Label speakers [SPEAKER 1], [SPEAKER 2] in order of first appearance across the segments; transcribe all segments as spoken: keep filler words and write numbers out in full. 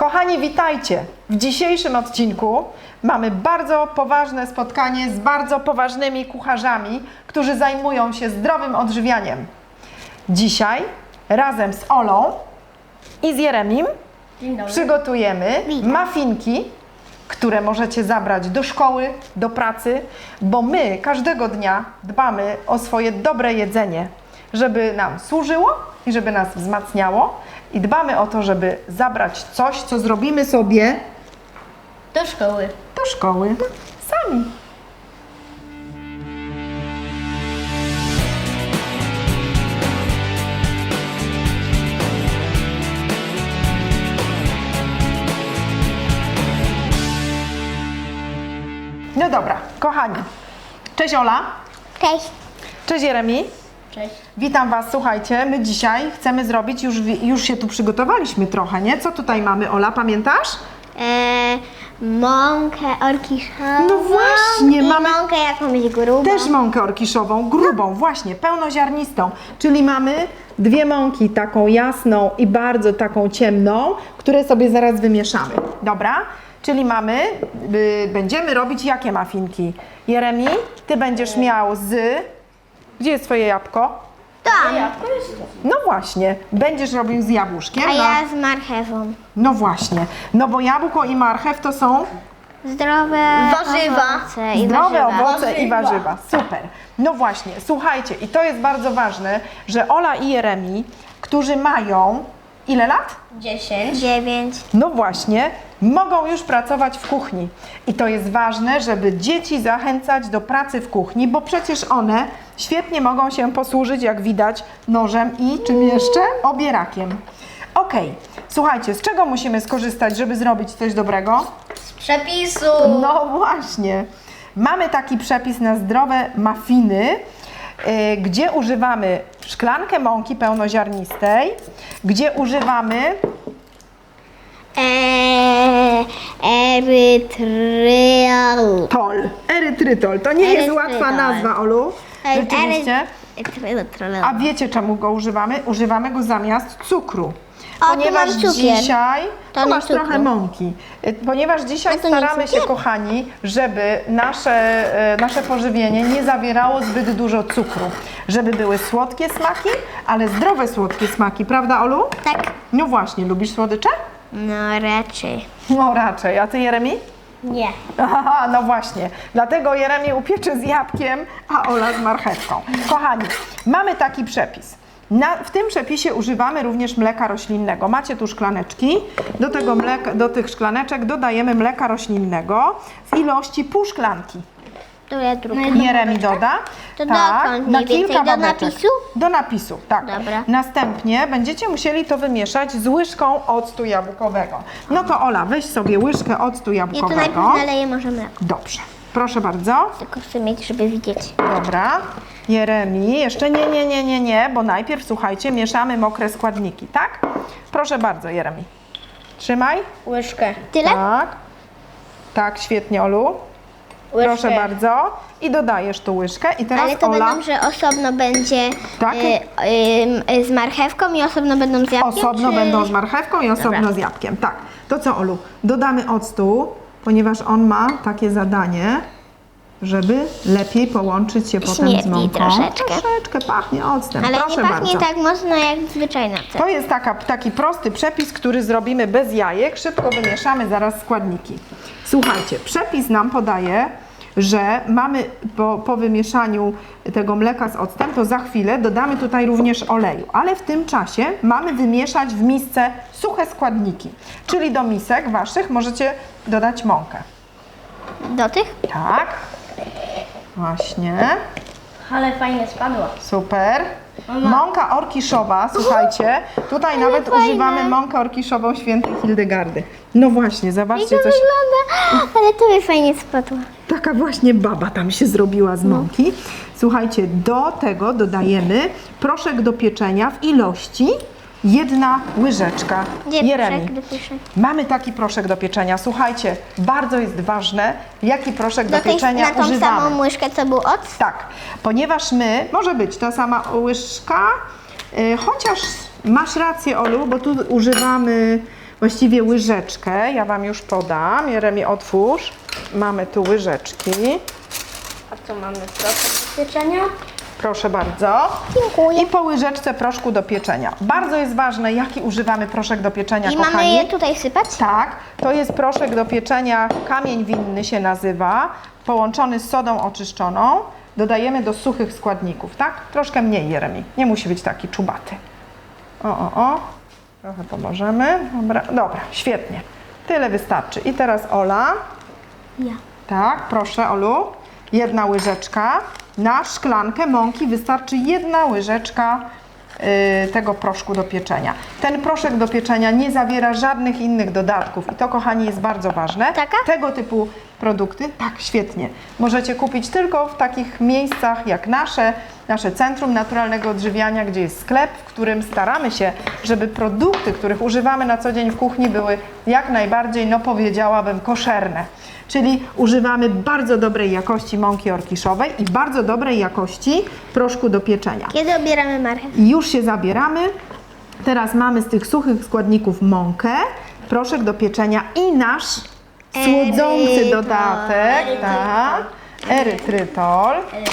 [SPEAKER 1] Kochani, witajcie! W dzisiejszym odcinku mamy bardzo poważne spotkanie z bardzo poważnymi kucharzami, którzy zajmują się zdrowym odżywianiem. Dzisiaj razem z Olą i z Jeremim przygotujemy muffinki, które możecie zabrać do szkoły, do pracy, bo my każdego dnia dbamy o swoje dobre jedzenie, żeby nam służyło i żeby nas wzmacniało. I dbamy o to, żeby zabrać coś, co zrobimy sobie
[SPEAKER 2] Do szkoły.
[SPEAKER 1] do szkoły sami. No dobra, kochani. Cześć Ola.
[SPEAKER 2] Cześć.
[SPEAKER 1] Cześć Jeremi.
[SPEAKER 2] Cześć.
[SPEAKER 1] Witam Was, słuchajcie, my dzisiaj chcemy zrobić, już, już się tu przygotowaliśmy trochę, nie? Co tutaj mamy, Ola, pamiętasz?
[SPEAKER 2] Eee, mąkę orkiszową.
[SPEAKER 1] No właśnie,
[SPEAKER 2] i
[SPEAKER 1] mamy
[SPEAKER 2] mąkę jakąś grubą.
[SPEAKER 1] też mąkę orkiszową, grubą, właśnie, pełnoziarnistą, czyli mamy dwie mąki, taką jasną i bardzo taką ciemną, które sobie zaraz wymieszamy, dobra? Czyli mamy, y, będziemy robić jakie muffinki? Jeremi, Ty będziesz miał z... Gdzie jest Twoje jabłko?
[SPEAKER 2] Tak.
[SPEAKER 1] No właśnie, będziesz robił z jabłuszkiem.
[SPEAKER 2] A
[SPEAKER 1] no.
[SPEAKER 2] ja z marchewą.
[SPEAKER 1] No właśnie, no bo jabłko i marchew to są
[SPEAKER 2] Zdrowe
[SPEAKER 3] Warzywa.
[SPEAKER 2] owoce i
[SPEAKER 1] zdrowe
[SPEAKER 2] warzywa.
[SPEAKER 1] owoce i warzywa. Super. No właśnie, słuchajcie, i to jest bardzo ważne, że Ola i Jeremi, którzy mają ile lat?
[SPEAKER 3] dziesięć.
[SPEAKER 2] Dziewięć.
[SPEAKER 1] No właśnie, mogą już pracować w kuchni. I to jest ważne, żeby dzieci zachęcać do pracy w kuchni, bo przecież one świetnie mogą się posłużyć, jak widać, nożem i czym jeszcze? Obierakiem. Okej, słuchajcie, z czego musimy skorzystać, żeby zrobić coś dobrego?
[SPEAKER 3] Z przepisu.
[SPEAKER 1] No właśnie. Mamy taki przepis na zdrowe muffiny, yy, gdzie używamy szklankę mąki pełnoziarnistej, gdzie używamy
[SPEAKER 2] Eee, erytryol.
[SPEAKER 1] tol, erytrytol. To nie jest
[SPEAKER 2] Erytrytol.
[SPEAKER 1] łatwa nazwa, Olu. Rzeczywiście.
[SPEAKER 2] Erytryol.
[SPEAKER 1] A wiecie, czemu go używamy? Używamy go zamiast cukru.
[SPEAKER 2] O, tu
[SPEAKER 1] Ponieważ
[SPEAKER 2] mam cukier.
[SPEAKER 1] dzisiaj
[SPEAKER 2] To
[SPEAKER 1] tu
[SPEAKER 2] nie
[SPEAKER 1] masz
[SPEAKER 2] cukru.
[SPEAKER 1] trochę mąki. Y, Ponieważ dzisiaj
[SPEAKER 2] A to nie
[SPEAKER 1] staramy się,
[SPEAKER 2] cukier?
[SPEAKER 1] kochani, żeby nasze, y, nasze pożywienie nie zawierało zbyt dużo cukru. Żeby były słodkie smaki, ale zdrowe słodkie smaki, prawda, Olu?
[SPEAKER 2] Tak.
[SPEAKER 1] No właśnie, lubisz słodycze?
[SPEAKER 2] No raczej.
[SPEAKER 1] No raczej. A ty, Jeremi?
[SPEAKER 2] Nie.
[SPEAKER 1] Aha, no właśnie. Dlatego Jeremi upieczy z jabłkiem, a Ola z marchewką. Kochani, mamy taki przepis. Na, w tym przepisie używamy również mleka roślinnego. Macie tu szklaneczki. Do, tego mleka, do tych szklaneczek dodajemy mleka roślinnego w ilości pół szklanki.
[SPEAKER 2] To ja drugą.
[SPEAKER 1] Jeremi doda.
[SPEAKER 2] To
[SPEAKER 1] tak,
[SPEAKER 2] dokąd
[SPEAKER 1] na
[SPEAKER 2] mniej
[SPEAKER 1] kilka
[SPEAKER 2] więcej? Do
[SPEAKER 1] babeczek.
[SPEAKER 2] napisu?
[SPEAKER 1] Do napisu, tak.
[SPEAKER 2] Dobra.
[SPEAKER 1] Następnie będziecie musieli to wymieszać z łyżką octu jabłkowego. No to Ola, weź sobie łyżkę octu
[SPEAKER 2] Ja tu
[SPEAKER 1] jabłkowego.
[SPEAKER 2] najpierw naleję może mleko.
[SPEAKER 1] Dobrze, proszę bardzo.
[SPEAKER 2] Tylko chcę mieć, żeby widzieć.
[SPEAKER 1] Dobra. Jeremi, jeszcze nie, nie, nie, nie, nie, bo najpierw, słuchajcie, mieszamy mokre składniki, tak? Proszę bardzo, Jeremi. Trzymaj.
[SPEAKER 3] Łyżkę.
[SPEAKER 2] Tyle?
[SPEAKER 1] Tak. Tak, świetnie, Olu.
[SPEAKER 3] Łyżkę.
[SPEAKER 1] Proszę bardzo. I dodajesz tu łyżkę. I teraz
[SPEAKER 2] Ale to
[SPEAKER 1] Ola,
[SPEAKER 2] będą, że osobno będzie
[SPEAKER 1] Tak?
[SPEAKER 2] y, y, y, z marchewką i osobno będą z jabłkiem?
[SPEAKER 1] osobno
[SPEAKER 2] czy...
[SPEAKER 1] będą z marchewką i osobno
[SPEAKER 2] Dobra.
[SPEAKER 1] z jabłkiem. Tak. To co, Olu? Dodamy octu, ponieważ on ma takie zadanie, żeby lepiej połączyć się potem z
[SPEAKER 2] Śmierdzi
[SPEAKER 1] mąką.
[SPEAKER 2] troszeczkę.
[SPEAKER 1] Troszeczkę pachnie octem.
[SPEAKER 2] Ale
[SPEAKER 1] Proszę
[SPEAKER 2] nie pachnie
[SPEAKER 1] bardzo.
[SPEAKER 2] tak mocno jak zwyczajna ocet.
[SPEAKER 1] To jest taka, taki prosty przepis, który zrobimy bez jajek. Szybko wymieszamy zaraz składniki. Słuchajcie, przepis nam podaje, że mamy po, po wymieszaniu tego mleka z octem, to za chwilę dodamy tutaj również oleju. Ale w tym czasie mamy wymieszać w misce suche składniki. Czyli do misek waszych możecie dodać mąkę.
[SPEAKER 2] Do tych?
[SPEAKER 1] Tak. Właśnie.
[SPEAKER 3] Ale fajnie spadła.
[SPEAKER 1] Super. Mąka orkiszowa, słuchajcie, tutaj nawet
[SPEAKER 2] fajne.
[SPEAKER 1] używamy mąkę orkiszową świętej Hildegardy. No właśnie,
[SPEAKER 2] I
[SPEAKER 1] zobaczcie,
[SPEAKER 2] to
[SPEAKER 1] coś,
[SPEAKER 2] wygląda, ale to mi fajnie spadło.
[SPEAKER 1] taka właśnie baba tam się zrobiła z mąki. Słuchajcie, do tego dodajemy proszek do pieczenia w ilości jedna łyżeczka.
[SPEAKER 2] Gdzie
[SPEAKER 1] Jeremi.
[SPEAKER 2] proszek do pieczenia?
[SPEAKER 1] Mamy taki proszek do pieczenia. Słuchajcie, bardzo jest ważne, jaki proszek do,
[SPEAKER 2] Do tej,
[SPEAKER 1] pieczenia
[SPEAKER 2] na tą
[SPEAKER 1] używamy.
[SPEAKER 2] samą łyżkę, co był ocet?
[SPEAKER 1] Tak, ponieważ my, może być ta sama łyżka, yy, chociaż masz rację, Olu, bo tu używamy właściwie łyżeczkę. Ja Wam już podam. Jeremi, otwórz. Mamy tu łyżeczki.
[SPEAKER 3] A co mamy? Proszę do pieczenia?
[SPEAKER 1] Proszę bardzo.
[SPEAKER 2] Dziękuję.
[SPEAKER 1] I po łyżeczce proszku do pieczenia. Bardzo jest ważne, jaki używamy proszek do pieczenia,
[SPEAKER 2] I
[SPEAKER 1] kochani.
[SPEAKER 2] mamy je tutaj sypać?
[SPEAKER 1] Tak, to jest proszek do pieczenia, kamień winny się nazywa, połączony z sodą oczyszczoną. Dodajemy do suchych składników, tak? Troszkę mniej, Jeremi. Nie musi być taki czubaty. O, o, o. Trochę pomożemy. Dobra, dobra, świetnie. Tyle wystarczy. I teraz Ola.
[SPEAKER 2] Ja.
[SPEAKER 1] Tak, proszę, Olu. Jedna łyżeczka. Na szklankę mąki wystarczy jedna łyżeczka y, tego proszku do pieczenia. Ten proszek do pieczenia nie zawiera żadnych innych dodatków i to, kochani, jest bardzo ważne.
[SPEAKER 2] Taka?
[SPEAKER 1] Tego typu produkty, tak, świetnie, możecie kupić tylko w takich miejscach jak nasze, nasze Centrum Naturalnego Odżywiania, gdzie jest sklep, w którym staramy się, żeby produkty, których używamy na co dzień w kuchni, były jak najbardziej, no powiedziałabym, koszerne. Czyli używamy bardzo dobrej jakości mąki orkiszowej i bardzo dobrej jakości proszku do pieczenia.
[SPEAKER 2] Kiedy obieramy marchew?
[SPEAKER 1] I już się zabieramy. Teraz mamy z tych suchych składników mąkę, proszek do pieczenia i nasz słodzący
[SPEAKER 2] Erytrytol.
[SPEAKER 1] dodatek, tak, erytrytol,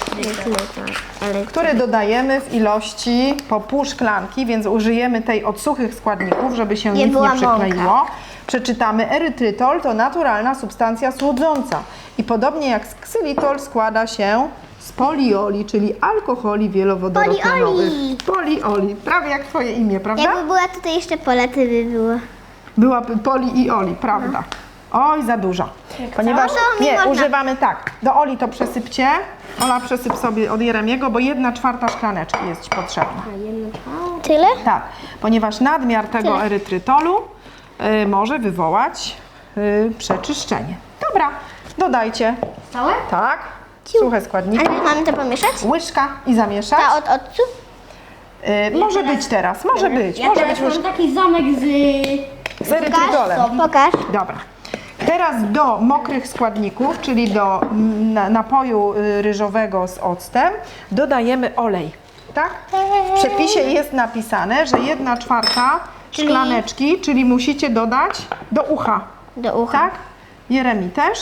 [SPEAKER 1] który dodajemy w ilości po pół szklanki, więc użyjemy tej od suchych składników, żeby się
[SPEAKER 2] Nie
[SPEAKER 1] nic nie
[SPEAKER 2] była
[SPEAKER 1] przykleiło. Przeczytamy, erytrytol to naturalna substancja słodząca i podobnie jak ksylitol składa się z polioli, czyli alkoholi wielowodorokanowych.
[SPEAKER 2] Polioli.
[SPEAKER 1] Polioli, prawie jak Twoje imię, prawda?
[SPEAKER 2] Jakby była tutaj jeszcze Pola, to by było.
[SPEAKER 1] Byłaby poli i oli, prawda? Oj, za dużo. Ponieważ
[SPEAKER 2] No to mi
[SPEAKER 1] nie,
[SPEAKER 2] można.
[SPEAKER 1] używamy tak. Do oli to przesypcie. Ola, przesyp sobie od Jeremiego, bo jedna czwarta szklaneczki jest ci potrzebna.
[SPEAKER 2] Tyle?
[SPEAKER 1] Tak, ponieważ nadmiar tego
[SPEAKER 2] Tyle.
[SPEAKER 1] erytrytolu y, może wywołać y, przeczyszczenie. Dobra, dodajcie.
[SPEAKER 3] Całe?
[SPEAKER 1] Tak, suche
[SPEAKER 2] A
[SPEAKER 1] składniki.
[SPEAKER 2] jak mamy to pomieszać?
[SPEAKER 1] Łyżka i zamieszać.
[SPEAKER 2] Ta od odcu?
[SPEAKER 1] Y, może być teraz, może być.
[SPEAKER 3] Ja
[SPEAKER 1] Może
[SPEAKER 3] teraz
[SPEAKER 1] być
[SPEAKER 3] mam taki zamek z...
[SPEAKER 1] z erytrytolem.
[SPEAKER 2] Pokaż.
[SPEAKER 1] Dobra. Teraz do mokrych składników, czyli do na- napoju y, ryżowego z octem, dodajemy olej. Tak? W przepisie jest napisane, że jedna czwarta
[SPEAKER 2] Czyli-
[SPEAKER 1] szklaneczki, czyli musicie dodać do ucha.
[SPEAKER 2] Do ucha.
[SPEAKER 1] Tak? Jeremi też.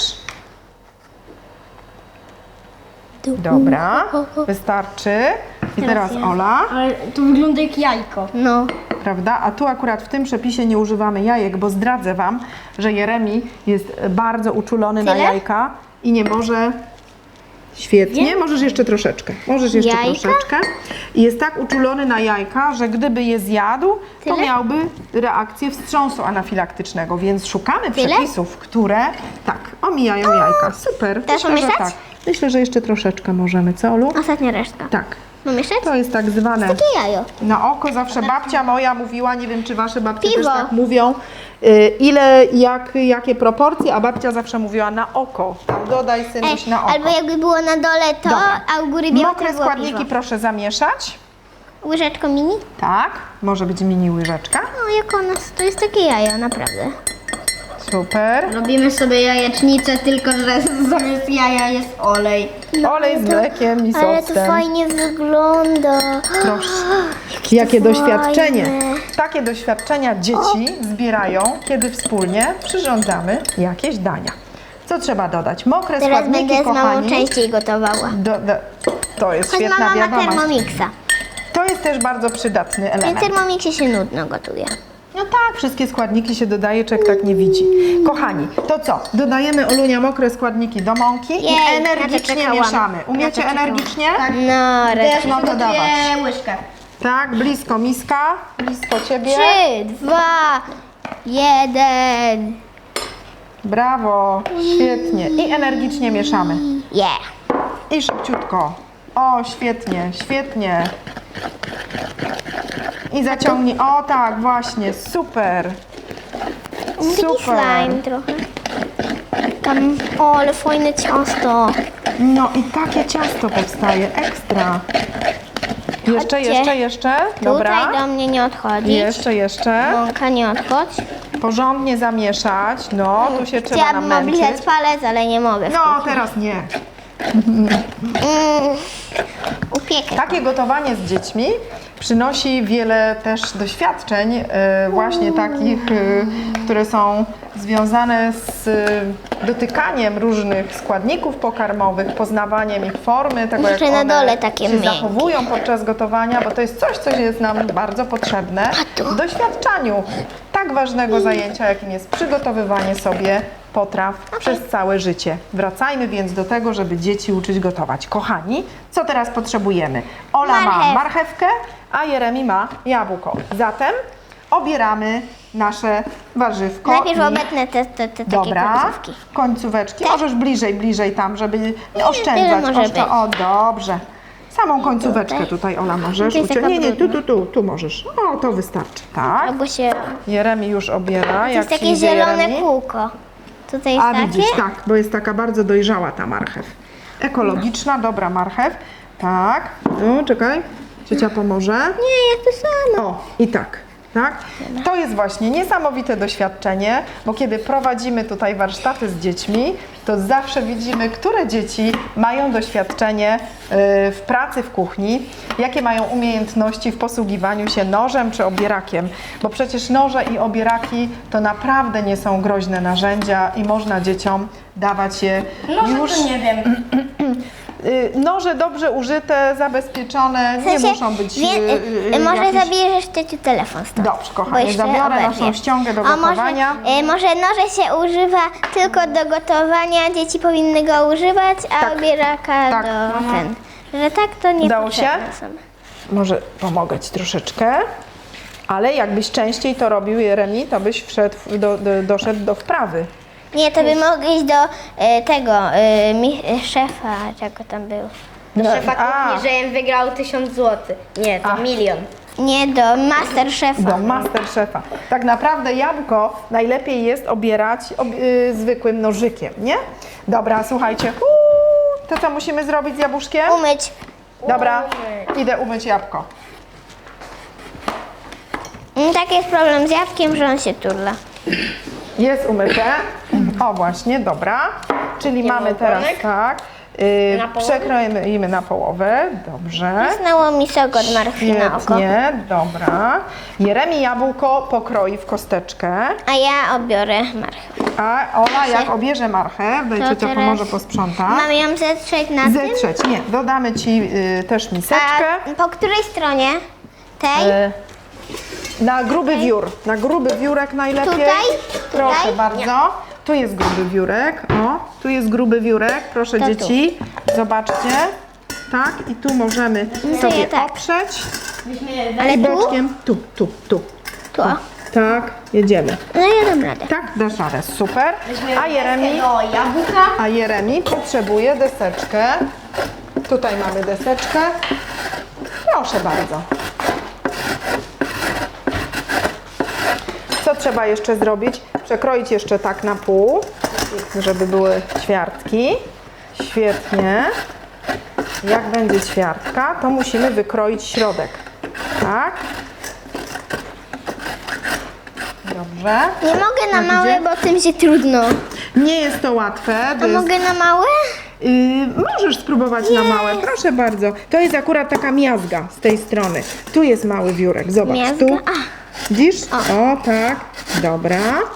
[SPEAKER 2] Do
[SPEAKER 1] Dobra,
[SPEAKER 2] ucha.
[SPEAKER 1] wystarczy. I teraz Ola,
[SPEAKER 3] Ale to wygląda jak jajko.
[SPEAKER 2] No.
[SPEAKER 1] prawda? A tu akurat w tym przepisie nie używamy jajek, bo zdradzę Wam, że Jeremi jest bardzo uczulony na
[SPEAKER 2] Tyle?
[SPEAKER 1] jajka i nie może... Świetnie, możesz jeszcze troszeczkę. Możesz jeszcze
[SPEAKER 2] Jajka?
[SPEAKER 1] troszeczkę. I jest tak uczulony na jajka, że gdyby je zjadł, to
[SPEAKER 2] Tyle?
[SPEAKER 1] miałby reakcję wstrząsu anafilaktycznego, więc szukamy
[SPEAKER 2] Tyle?
[SPEAKER 1] przepisów, które tak, omijają jajka. Super.
[SPEAKER 2] Teraz
[SPEAKER 1] Myślę, że
[SPEAKER 2] pomieszać?
[SPEAKER 1] tak. Myślę, że jeszcze troszeczkę możemy, co Olu?
[SPEAKER 2] Ostatnia resztka.
[SPEAKER 1] Tak.
[SPEAKER 2] Pomieszać?
[SPEAKER 1] To jest tak zwane
[SPEAKER 2] Takie jajo.
[SPEAKER 1] na oko. Zawsze babcia moja mówiła, nie wiem czy wasze babcie
[SPEAKER 2] Piwo.
[SPEAKER 1] też tak mówią, y, ile, jak, jakie proporcje, a babcia zawsze mówiła na oko. Tam dodaj synuś na oko.
[SPEAKER 2] albo jakby było na dole to,
[SPEAKER 1] Dobra.
[SPEAKER 2] a u góry białe,
[SPEAKER 1] Mokre
[SPEAKER 2] to było
[SPEAKER 1] składniki
[SPEAKER 2] piwo.
[SPEAKER 1] proszę zamieszać.
[SPEAKER 2] Łyżeczką mini?
[SPEAKER 1] Tak, może być mini łyżeczka.
[SPEAKER 2] No jak ona, to jest takie jajo, naprawdę.
[SPEAKER 1] Super.
[SPEAKER 3] Robimy sobie jajecznicę, tylko że zamiast jaja jest olej.
[SPEAKER 1] Olej z mlekiem i z
[SPEAKER 2] Ale to
[SPEAKER 1] octem.
[SPEAKER 2] fajnie wygląda.
[SPEAKER 1] Proszę. Jakie
[SPEAKER 2] to
[SPEAKER 1] doświadczenie.
[SPEAKER 2] fajne.
[SPEAKER 1] Takie doświadczenia dzieci zbierają, kiedy wspólnie przyrządzamy jakieś dania. Co trzeba dodać? Mokre
[SPEAKER 2] Teraz
[SPEAKER 1] składniki,
[SPEAKER 2] będę z mamą
[SPEAKER 1] kochani.
[SPEAKER 2] częściej gotowała.
[SPEAKER 1] Do, do, to jest
[SPEAKER 2] Choć
[SPEAKER 1] świetna
[SPEAKER 2] mama ma
[SPEAKER 1] wiadomość.
[SPEAKER 2] Termomixa.
[SPEAKER 1] To jest też bardzo przydatny
[SPEAKER 2] W
[SPEAKER 1] element.
[SPEAKER 2] Termomixie się nudno gotuje.
[SPEAKER 1] No tak, wszystkie składniki się dodaje, człowiek tak nie widzi. Kochani, to co? Dodajemy, Olunia, mokre składniki do mąki
[SPEAKER 2] Jej,
[SPEAKER 1] i
[SPEAKER 2] na to
[SPEAKER 1] energicznie
[SPEAKER 2] czekałam.
[SPEAKER 1] mieszamy.
[SPEAKER 2] Na
[SPEAKER 1] Umiecie
[SPEAKER 2] to czekałam.
[SPEAKER 1] energicznie?
[SPEAKER 2] No,
[SPEAKER 3] Też
[SPEAKER 2] resztę.
[SPEAKER 1] mam dodawać.
[SPEAKER 3] przygotuję łyżkę.
[SPEAKER 1] Tak, blisko miska, blisko ciebie.
[SPEAKER 2] Trzy, dwa, jeden.
[SPEAKER 1] Brawo, świetnie. I energicznie mieszamy.
[SPEAKER 2] Yeah.
[SPEAKER 1] I szybciutko. O, świetnie, świetnie. I zaciągnij. O tak, właśnie, super.
[SPEAKER 2] Taki
[SPEAKER 1] Super.
[SPEAKER 2] slime trochę. Tam, o, ale fajne ciasto.
[SPEAKER 1] No i takie ciasto powstaje, ekstra. Jeszcze,
[SPEAKER 2] Chodźcie.
[SPEAKER 1] jeszcze, jeszcze. Dobra.
[SPEAKER 2] Tutaj do mnie nie odchodzić.
[SPEAKER 1] Jeszcze, jeszcze.
[SPEAKER 2] Mąka nie odchodź.
[SPEAKER 1] Porządnie zamieszać. No, tu się trzeba
[SPEAKER 2] Chciałabym
[SPEAKER 1] namęczyć.
[SPEAKER 2] oblizać palec, ale nie mogę.
[SPEAKER 1] No, teraz nie.
[SPEAKER 2] Mm. Upiekę.
[SPEAKER 1] Takie gotowanie z dziećmi przynosi wiele też doświadczeń, e, właśnie takich, e, które są związane z e, dotykaniem różnych składników pokarmowych, poznawaniem ich formy, tego jak
[SPEAKER 2] Jeszcze na
[SPEAKER 1] one
[SPEAKER 2] dole takie
[SPEAKER 1] się
[SPEAKER 2] miękkie.
[SPEAKER 1] zachowują podczas gotowania, bo to jest coś, co jest nam bardzo potrzebne w doświadczaniu tak ważnego zajęcia, jakim jest przygotowywanie sobie potraw przez całe życie. Wracajmy więc do tego, żeby dzieci uczyć gotować. Kochani, co teraz potrzebujemy? Ola ma
[SPEAKER 2] Marchew.
[SPEAKER 1] marchewkę, a Jeremi ma jabłko. Zatem obieramy nasze warzywko.
[SPEAKER 2] Najpierw
[SPEAKER 1] i...
[SPEAKER 2] obetnę te, te, te takie
[SPEAKER 1] Dobra,
[SPEAKER 2] końcówki.
[SPEAKER 1] końcóweczki. Możesz bliżej, bliżej tam, żeby
[SPEAKER 2] tyle
[SPEAKER 1] oszczędzać.
[SPEAKER 2] może być.
[SPEAKER 1] O, dobrze. Samą końcóweczkę tutaj, Ola, możesz.
[SPEAKER 2] To jest
[SPEAKER 1] ucią-
[SPEAKER 2] taka
[SPEAKER 1] Nie, nie, tu,
[SPEAKER 2] brudna.
[SPEAKER 1] tu, tu, tu możesz. O, to wystarczy. Tak.
[SPEAKER 2] Albo się...
[SPEAKER 1] Jeremi już obiera.
[SPEAKER 2] To
[SPEAKER 1] Jak
[SPEAKER 2] jest
[SPEAKER 1] ci
[SPEAKER 2] takie
[SPEAKER 1] idzie,
[SPEAKER 2] zielone
[SPEAKER 1] Jeremi?
[SPEAKER 2] kółko. Tutaj jest
[SPEAKER 1] A
[SPEAKER 2] takie?
[SPEAKER 1] widzisz, tak, bo jest taka bardzo dojrzała ta marchew. Ekologiczna, dobra marchew. Tak, tu, czekaj, ciocia pomoże.
[SPEAKER 2] Nie, ja to samo.
[SPEAKER 1] O, i tak, tak. To jest właśnie niesamowite doświadczenie, bo kiedy prowadzimy tutaj warsztaty z dziećmi, to zawsze widzimy, które dzieci mają doświadczenie y, w pracy w kuchni, jakie mają umiejętności w posługiwaniu się nożem czy obierakiem, bo przecież noże i obieraki to naprawdę nie są groźne narzędzia i można dzieciom dawać je już...
[SPEAKER 3] nie wiem.
[SPEAKER 1] Y, Noże dobrze użyte, zabezpieczone,
[SPEAKER 2] W sensie,
[SPEAKER 1] nie muszą być
[SPEAKER 2] wie,
[SPEAKER 1] y, y,
[SPEAKER 2] y, może
[SPEAKER 1] jakieś...
[SPEAKER 2] zabierzesz ciociu telefon stąd.
[SPEAKER 1] Dobrze,
[SPEAKER 2] Bo
[SPEAKER 1] kochanie,
[SPEAKER 2] jeszcze
[SPEAKER 1] zabiorę
[SPEAKER 2] oberwie.
[SPEAKER 1] naszą ściągę do
[SPEAKER 2] A może,
[SPEAKER 1] gotowania.
[SPEAKER 2] y, może noże się używa tylko do gotowania, dzieci powinny go używać, a
[SPEAKER 1] Tak.
[SPEAKER 2] obieraka
[SPEAKER 1] Tak.
[SPEAKER 2] do
[SPEAKER 1] Mhm.
[SPEAKER 2] ten. Że tak to nie
[SPEAKER 1] Udało się?
[SPEAKER 2] są.
[SPEAKER 1] Może pomogę Ci troszeczkę, ale jakbyś częściej to robił, Jeremi, to byś wszedł, w- do, do, doszedł do wprawy.
[SPEAKER 2] Nie, to by mogli iść do y, tego y, mi, y, szefa, czego tam był.
[SPEAKER 1] Do
[SPEAKER 3] Szefa kuchni, że im wygrał tysiąc złotych. Nie, to
[SPEAKER 1] A.
[SPEAKER 3] milion.
[SPEAKER 2] Nie, do master szefa.
[SPEAKER 1] Do Masterchefa. Tak naprawdę jabłko najlepiej jest obierać ob, y, zwykłym nożykiem, nie? Dobra, słuchajcie. Uuu, to co musimy zrobić z jabłuszkiem?
[SPEAKER 2] Umyć.
[SPEAKER 1] Dobra, idę umyć jabłko.
[SPEAKER 2] Mm, taki jest problem z jabłkiem, że on się turla.
[SPEAKER 1] Jest umyte. O właśnie, dobra. Czyli mamy teraz
[SPEAKER 3] ogonek?
[SPEAKER 1] tak. Yy,
[SPEAKER 3] Na połowę?
[SPEAKER 1] przekroimy na połowę. Dobrze.
[SPEAKER 2] Znało mi sok od marchwi na oko.
[SPEAKER 1] Świetnie, dobra. Jeremi jabłko pokroi w kosteczkę,
[SPEAKER 2] A ja obiorę marchew.
[SPEAKER 1] a Ola jak obierze marchew, daj
[SPEAKER 2] To
[SPEAKER 1] ciocia
[SPEAKER 2] teraz
[SPEAKER 1] pomoże posprzątać.
[SPEAKER 2] Mam ją zetrzeć na tym?
[SPEAKER 1] Zetrzeć, nie, dodamy Ci y, też miseczkę.
[SPEAKER 2] A po której stronie? Tej?
[SPEAKER 1] Y, na gruby wiór, na gruby wiórek najlepiej.
[SPEAKER 2] Tutaj?
[SPEAKER 1] Proszę
[SPEAKER 2] Tutaj?
[SPEAKER 1] bardzo. Tu jest gruby wiórek, o, tu jest gruby wiórek, proszę
[SPEAKER 2] To tu.
[SPEAKER 1] dzieci, zobaczcie. Tak, i tu możemy sobie
[SPEAKER 2] ja tak.
[SPEAKER 1] oprzeć.
[SPEAKER 2] Ale
[SPEAKER 1] I
[SPEAKER 2] tu?
[SPEAKER 1] boczkiem, tu, tu, tu.
[SPEAKER 2] Tu. o.
[SPEAKER 1] Tak, jedziemy.
[SPEAKER 2] No ja dam radę.
[SPEAKER 1] Tak, dasz radę, super. A Jeremi,
[SPEAKER 3] Do jabłka.
[SPEAKER 1] a Jeremi potrzebuje deseczkę. Tutaj mamy deseczkę. Proszę bardzo. Co trzeba jeszcze zrobić? Przekroić jeszcze tak na pół, żeby były ćwiartki. Świetnie. Jak będzie ćwiartka, to musimy wykroić środek. Tak. Dobrze.
[SPEAKER 2] Nie mogę na
[SPEAKER 1] Jak
[SPEAKER 2] małe,
[SPEAKER 1] idzie?
[SPEAKER 2] bo tym się trudno.
[SPEAKER 1] Nie jest to łatwe. To
[SPEAKER 2] A
[SPEAKER 1] jest...
[SPEAKER 2] mogę na małe?
[SPEAKER 1] Yy, możesz spróbować na małe, proszę bardzo. To jest akurat taka miazga z tej strony. Tu jest mały wiórek, zobacz.
[SPEAKER 2] Miazga?
[SPEAKER 1] Tu.
[SPEAKER 2] A.
[SPEAKER 1] Widzisz? O. tak. Dobra.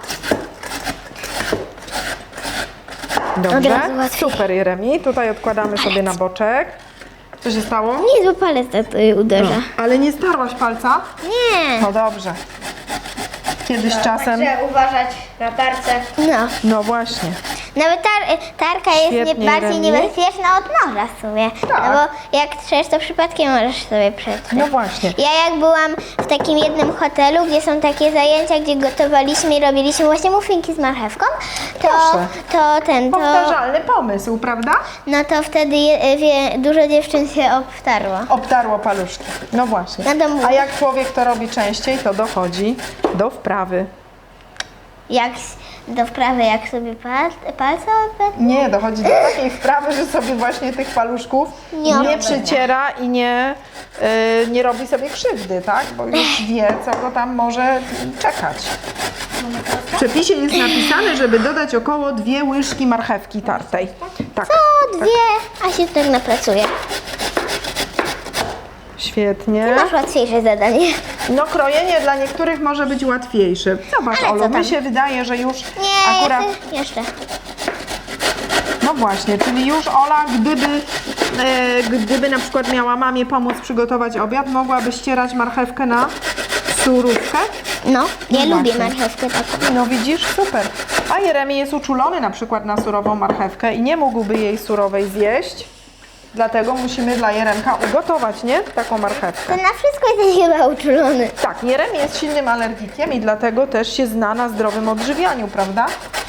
[SPEAKER 2] Od
[SPEAKER 1] Dobrze.
[SPEAKER 2] razu łatwiej.
[SPEAKER 1] Super, Jeremi. Tutaj odkładamy sobie na boczek. Co się stało?
[SPEAKER 2] Nie, bo palec tutaj uderza.
[SPEAKER 1] Ale nie starłaś palca?
[SPEAKER 2] Nie.
[SPEAKER 1] No dobrze. Kiedyś czasem...
[SPEAKER 3] Także uważać na tarce.
[SPEAKER 2] No.
[SPEAKER 1] No właśnie.
[SPEAKER 2] Nawet tar, tarka jest nie,
[SPEAKER 1] Świetnie,
[SPEAKER 2] bardziej
[SPEAKER 1] Remi.
[SPEAKER 2] niebezpieczna od noża w sumie.
[SPEAKER 1] Tak.
[SPEAKER 2] No bo jak trzesz, to przypadkiem możesz sobie przetrzeć.
[SPEAKER 1] No właśnie.
[SPEAKER 2] Ja jak byłam w takim jednym hotelu, gdzie są takie zajęcia, gdzie gotowaliśmy i robiliśmy właśnie muffinki z marchewką, to,
[SPEAKER 1] Proszę.
[SPEAKER 2] to ten, to,
[SPEAKER 1] Powtarzalny pomysł, prawda?
[SPEAKER 2] no to wtedy je, wie, dużo dziewczyn się obtarło.
[SPEAKER 1] Obtarło paluszki. No właśnie.
[SPEAKER 2] No to mów.
[SPEAKER 1] A jak człowiek to robi częściej, to dochodzi do wprawy.
[SPEAKER 2] Jak s- do wprawy, jak sobie pal, palce obetnę?
[SPEAKER 1] Nie, dochodzi do takiej wprawy, że sobie właśnie tych paluszków
[SPEAKER 2] Nie
[SPEAKER 1] nie,
[SPEAKER 2] obetnę.
[SPEAKER 1] przyciera i nie, y, nie robi sobie krzywdy, tak? Bo już wie, co go tam może czekać. W przepisie jest napisane, żeby dodać około dwie łyżki marchewki tartej. Tak.
[SPEAKER 2] O, dwie, a się tak napracuje.
[SPEAKER 1] Świetnie.
[SPEAKER 2] Masz łatwiejsze zadanie.
[SPEAKER 1] No krojenie dla niektórych może być łatwiejsze. Zobacz,
[SPEAKER 2] Ale co
[SPEAKER 1] Olu,
[SPEAKER 2] tam?
[SPEAKER 1] mi się wydaje, że już
[SPEAKER 2] Nie,
[SPEAKER 1] akurat...
[SPEAKER 2] jeszcze, jeszcze.
[SPEAKER 1] No właśnie, czyli już Ola, gdyby, e, gdyby na przykład miała mamie pomóc przygotować obiad, mogłaby ścierać marchewkę na surówkę?
[SPEAKER 2] No, ja
[SPEAKER 1] No
[SPEAKER 2] lubię
[SPEAKER 1] właśnie.
[SPEAKER 2] marchewkę taką.
[SPEAKER 1] No widzisz, super. A Jeremi jest uczulony na przykład na surową marchewkę i nie mógłby jej surowej zjeść. Dlatego musimy dla Jeremka ugotować, nie? Taką marchewkę.
[SPEAKER 2] To na wszystko jesteś chyba uczulony.
[SPEAKER 1] Tak, Jeremi jest silnym alergikiem i dlatego też się zna na zdrowym odżywianiu, prawda?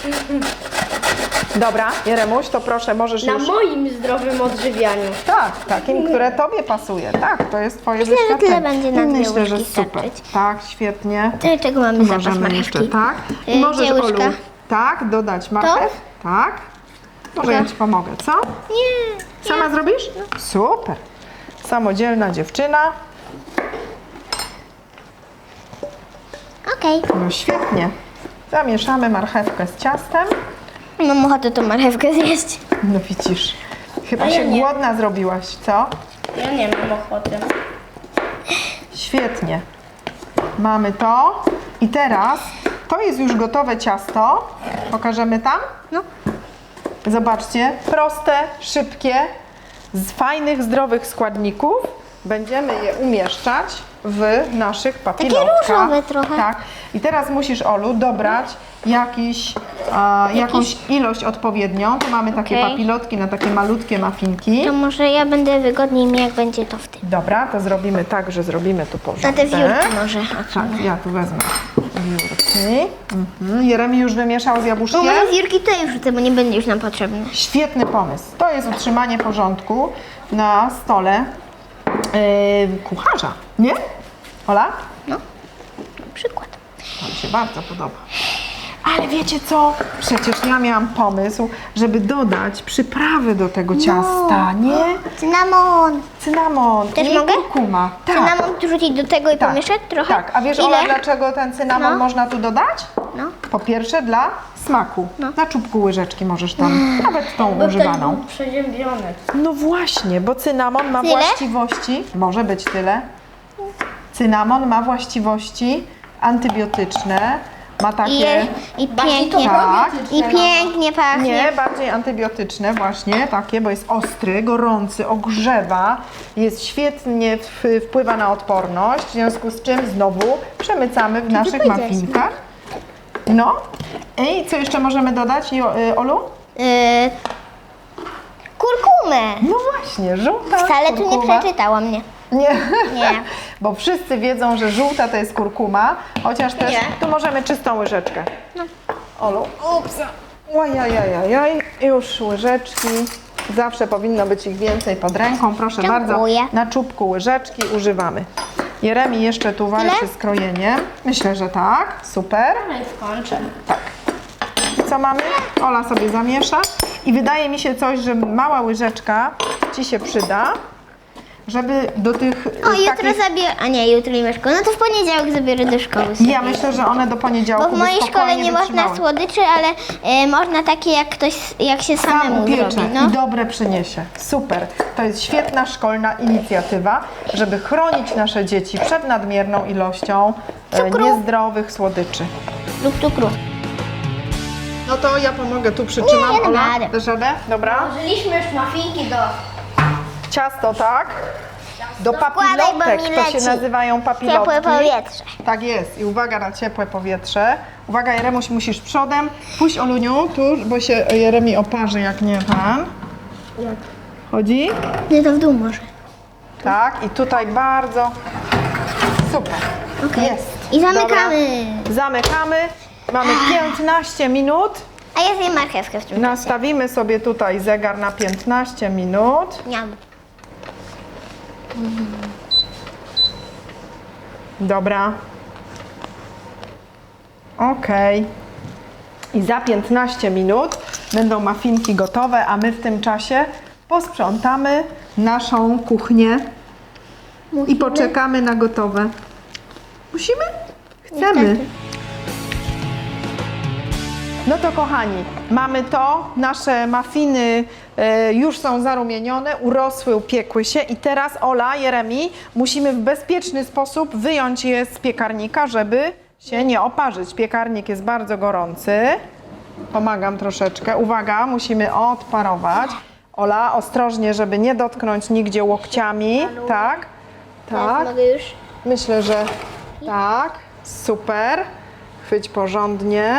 [SPEAKER 1] Dobra, Jeremuś, to proszę, możesz
[SPEAKER 4] Na
[SPEAKER 1] już...
[SPEAKER 4] moim zdrowym odżywianiu.
[SPEAKER 1] Tak, takim, które tobie pasuje. Tak, to jest twoje
[SPEAKER 2] Myślę, że
[SPEAKER 1] wyświadczenie.
[SPEAKER 2] tyle będzie na dwie
[SPEAKER 1] Myślę, że
[SPEAKER 2] łyżki
[SPEAKER 1] super.
[SPEAKER 2] starczyć.
[SPEAKER 1] Tak, świetnie.
[SPEAKER 2] Do czego mamy zapas
[SPEAKER 1] Możemy jeszcze,
[SPEAKER 2] marchewki?
[SPEAKER 1] tak. I
[SPEAKER 2] Y,
[SPEAKER 1] możesz,
[SPEAKER 2] gdzie łyżka?
[SPEAKER 1] Olu, tak, dodać marchew. Tak. Może ja ci pomogę, co?
[SPEAKER 2] Nie.
[SPEAKER 1] Sama zrobisz? Super. Samodzielna dziewczyna.
[SPEAKER 2] Okej.
[SPEAKER 1] No świetnie. Zamieszamy marchewkę z ciastem.
[SPEAKER 2] Mam ochotę tą marchewkę zjeść.
[SPEAKER 1] No widzisz, chyba
[SPEAKER 4] A ja
[SPEAKER 1] się
[SPEAKER 4] nie.
[SPEAKER 1] głodna zrobiłaś, co?
[SPEAKER 4] Ja nie mam ochoty.
[SPEAKER 1] Świetnie. Mamy to. I teraz to jest już gotowe ciasto. Pokażemy tam?
[SPEAKER 2] No.
[SPEAKER 1] Zobaczcie, proste, szybkie, z fajnych, zdrowych składników. Będziemy je umieszczać w naszych papilotkach.
[SPEAKER 2] różowe trochę.
[SPEAKER 1] Tak. I teraz musisz, Olu, dobrać jakiś, a, jakąś ilość odpowiednią. Tu mamy takie
[SPEAKER 2] Okej.
[SPEAKER 1] papilotki na takie malutkie muffinki.
[SPEAKER 2] To może ja będę wygodniej mi, jak będzie to w tym.
[SPEAKER 1] Dobra, to zrobimy tak, że zrobimy tu
[SPEAKER 2] Na
[SPEAKER 1] porządek.
[SPEAKER 2] te wiórki może.
[SPEAKER 1] Tak, ja tu wezmę wiórki. Mhm. Jeremi już wymieszał z
[SPEAKER 2] Bo
[SPEAKER 1] jabłuszkiem.
[SPEAKER 2] moje wiórki to już wrzucę, bo nie będzie już nam potrzebne.
[SPEAKER 1] Świetny pomysł. To jest utrzymanie porządku na stole yy, kucharza, nie? Ola?
[SPEAKER 2] No. Przykład.
[SPEAKER 1] To mi się bardzo podoba. Ale wiecie co? Przecież ja miałam pomysł, żeby dodać przyprawy do tego ciasta, nie?
[SPEAKER 2] Cynamon.
[SPEAKER 1] Cynamon
[SPEAKER 2] Też
[SPEAKER 1] i
[SPEAKER 2] mogę?
[SPEAKER 1] kurkuma. Tak.
[SPEAKER 2] Cynamon rzucić do tego i
[SPEAKER 1] Tak,
[SPEAKER 2] pomieszać trochę?
[SPEAKER 1] Tak, a wiesz
[SPEAKER 2] Ile?
[SPEAKER 1] Ola, dlaczego ten cynamon
[SPEAKER 2] No.
[SPEAKER 1] można tu dodać?
[SPEAKER 2] No.
[SPEAKER 1] Po pierwsze dla smaku.
[SPEAKER 2] No.
[SPEAKER 1] Na czubku łyżeczki możesz tam, nawet tą używaną.
[SPEAKER 4] Przeziębiony.
[SPEAKER 1] No właśnie, bo cynamon ma
[SPEAKER 2] Tyle?
[SPEAKER 1] właściwości, może być tyle. Cynamon ma właściwości antybiotyczne, ma
[SPEAKER 2] I,
[SPEAKER 1] takie,
[SPEAKER 2] je, i pięknie.
[SPEAKER 1] tak,
[SPEAKER 2] I pięknie pachnie.
[SPEAKER 1] nie, bardziej antybiotyczne właśnie, takie, bo jest ostry, gorący, ogrzewa, jest świetnie, w, wpływa na odporność, w związku z czym znowu przemycamy w naszych
[SPEAKER 2] powiedziałaś,
[SPEAKER 1] muffinkach. No. I co jeszcze możemy dodać, Jo- y, Olu?
[SPEAKER 2] Yy, kurkumę.
[SPEAKER 1] No właśnie, żółta
[SPEAKER 2] Wcale tu nie
[SPEAKER 1] kurkuma.
[SPEAKER 2] przeczytałam, nie.
[SPEAKER 1] Nie.
[SPEAKER 2] Nie.
[SPEAKER 1] Bo wszyscy wiedzą, że żółta to jest kurkuma, chociaż też
[SPEAKER 2] Nie.
[SPEAKER 1] tu możemy czystą łyżeczkę. Olu, ups. Ojajajajaj, już łyżeczki. Zawsze powinno być ich więcej pod ręką. Proszę
[SPEAKER 2] Dziękuję.
[SPEAKER 1] bardzo, na czubku łyżeczki używamy. Jeremi jeszcze tu walczy
[SPEAKER 2] Tyle?
[SPEAKER 1] z krojeniem. Myślę, że tak. Super.
[SPEAKER 4] No i skończę.
[SPEAKER 1] Co mamy? Ola sobie zamiesza. I wydaje mi się coś, że mała łyżeczka Ci się przyda, żeby do tych
[SPEAKER 2] O,
[SPEAKER 1] y,
[SPEAKER 2] jutro
[SPEAKER 1] takich...
[SPEAKER 2] zabiorę. A nie, jutro nie ma szkoły. No to w poniedziałek zabiorę do szkoły. sobie.
[SPEAKER 1] Ja myślę, że one do poniedziałku
[SPEAKER 2] Bo w
[SPEAKER 1] by
[SPEAKER 2] mojej szkole
[SPEAKER 1] spokojnie
[SPEAKER 2] nie można
[SPEAKER 1] wytrzymały.
[SPEAKER 2] słodyczy, ale y, można takie jak ktoś, jak się
[SPEAKER 1] Sam
[SPEAKER 2] samemu
[SPEAKER 1] upiecze
[SPEAKER 2] zrobi. No.
[SPEAKER 1] i dobre przyniesie. Super. To jest świetna szkolna inicjatywa, żeby chronić nasze dzieci przed nadmierną ilością e,
[SPEAKER 2] Cukru.
[SPEAKER 1] niezdrowych słodyczy.
[SPEAKER 2] Lub cukru.
[SPEAKER 1] No to ja pomogę, tu przytrzymam.
[SPEAKER 2] Nie, ja dam
[SPEAKER 1] Ola,
[SPEAKER 2] radę.
[SPEAKER 1] dasz radę? Dobra.
[SPEAKER 4] Włożyliśmy już muffinki do...
[SPEAKER 1] Ciasto, tak? Do
[SPEAKER 2] Wkładaj, bo
[SPEAKER 1] papilotek,
[SPEAKER 2] mi
[SPEAKER 1] to się
[SPEAKER 2] leci.
[SPEAKER 1] nazywają papilotki.
[SPEAKER 2] Ciepłe powietrze.
[SPEAKER 1] Tak jest. I uwaga na ciepłe powietrze. Uwaga, Jeremuś, musisz przodem. Puść, Oluniu, tu, bo się Jeremi oparzy, jak nie pan. Chodzi?
[SPEAKER 2] Nie, to w dół może.
[SPEAKER 1] Tak, i tutaj bardzo super.
[SPEAKER 2] Okej.
[SPEAKER 1] Jest.
[SPEAKER 2] I zamykamy.
[SPEAKER 1] Dobra. Zamykamy. Mamy piętnaście minut.
[SPEAKER 2] A ja zjem marchewkę w tym czasie.
[SPEAKER 1] Nastawimy sobie tutaj zegar na piętnaście minut.
[SPEAKER 2] Niam.
[SPEAKER 1] Dobra. Okej. I za piętnaście minut będą muffinki gotowe, a my w tym czasie posprzątamy naszą kuchnię i poczekamy na gotowe. Musimy? Chcemy.
[SPEAKER 2] Niestety.
[SPEAKER 1] No to kochani, mamy to, nasze mafiny e, już są zarumienione, urosły, upiekły się i teraz Ola, Jeremi, musimy w bezpieczny sposób wyjąć je z piekarnika, żeby się nie oparzyć. Piekarnik jest bardzo gorący. Pomagam troszeczkę. Uwaga, musimy odparować. Ola, ostrożnie, żeby nie dotknąć nigdzie łokciami. Tak,
[SPEAKER 2] Teraz
[SPEAKER 1] tak.
[SPEAKER 2] mogę już.
[SPEAKER 1] Myślę, że tak. Super. Chwyć porządnie.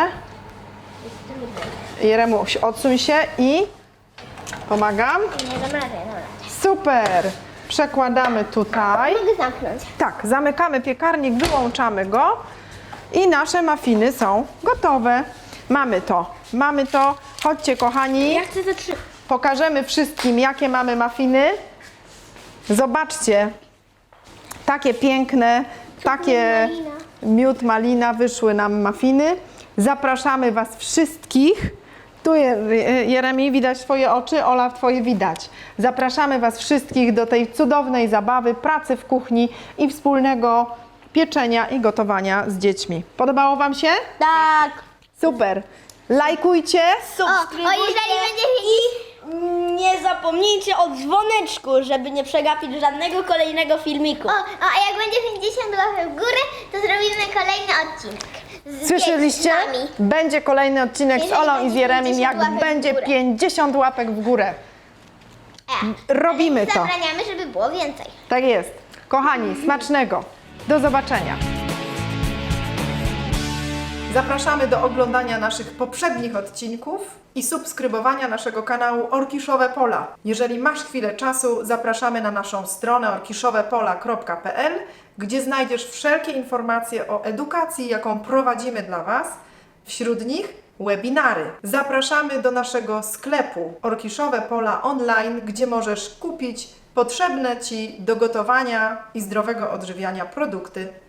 [SPEAKER 1] Jeremuś, odsuń się i pomagam.
[SPEAKER 2] Nie dam rady, dobra.
[SPEAKER 1] Super. Przekładamy tutaj.
[SPEAKER 2] Mogę zamknąć.
[SPEAKER 1] Tak, zamykamy piekarnik, wyłączamy go i nasze mafiny są gotowe. Mamy to, mamy to. Chodźcie kochani,
[SPEAKER 2] Ja chcę zatrzymać.
[SPEAKER 1] pokażemy wszystkim, jakie mamy mafiny. Zobaczcie, takie piękne, takie
[SPEAKER 2] malina.
[SPEAKER 1] miód malina, wyszły nam mafiny. Zapraszamy Was wszystkich. Tu Je- Jeremi, widać Twoje oczy, Ola, Twoje widać. Zapraszamy Was wszystkich do tej cudownej zabawy, pracy w kuchni i wspólnego pieczenia i gotowania z dziećmi. Podobało Wam się?
[SPEAKER 2] Tak.
[SPEAKER 1] Super. Lajkujcie.
[SPEAKER 2] O, o, jeżeli będzie
[SPEAKER 4] I nie zapomnijcie o dzwoneczku, żeby nie przegapić żadnego kolejnego filmiku.
[SPEAKER 2] O, o, a jak będzie pięćdziesiąt łapek w górę, to zrobimy kolejny odcinek. Z
[SPEAKER 1] Słyszeliście?
[SPEAKER 2] z nami.
[SPEAKER 1] Będzie kolejny odcinek z
[SPEAKER 2] Jeżeli
[SPEAKER 1] Olą i
[SPEAKER 2] będzie
[SPEAKER 1] z Jeremim,
[SPEAKER 2] pięćdziesiąt
[SPEAKER 1] jak
[SPEAKER 2] łapek w
[SPEAKER 1] będzie
[SPEAKER 2] górę.
[SPEAKER 1] pięćdziesiąt łapek w górę.
[SPEAKER 2] E,
[SPEAKER 1] Robimy
[SPEAKER 2] ale
[SPEAKER 1] to.
[SPEAKER 2] zabraniamy, żeby było więcej.
[SPEAKER 1] Tak jest. Kochani, smacznego. Do zobaczenia. Zapraszamy do oglądania naszych poprzednich odcinków i subskrybowania naszego kanału Orkiszowe Pola. Jeżeli masz chwilę czasu, zapraszamy na naszą stronę orkiszowepola kropka p l, gdzie znajdziesz wszelkie informacje o edukacji, jaką prowadzimy dla Was. Wśród nich webinary. Zapraszamy do naszego sklepu Orkiszowe Pola online, gdzie możesz kupić potrzebne Ci do gotowania i zdrowego odżywiania produkty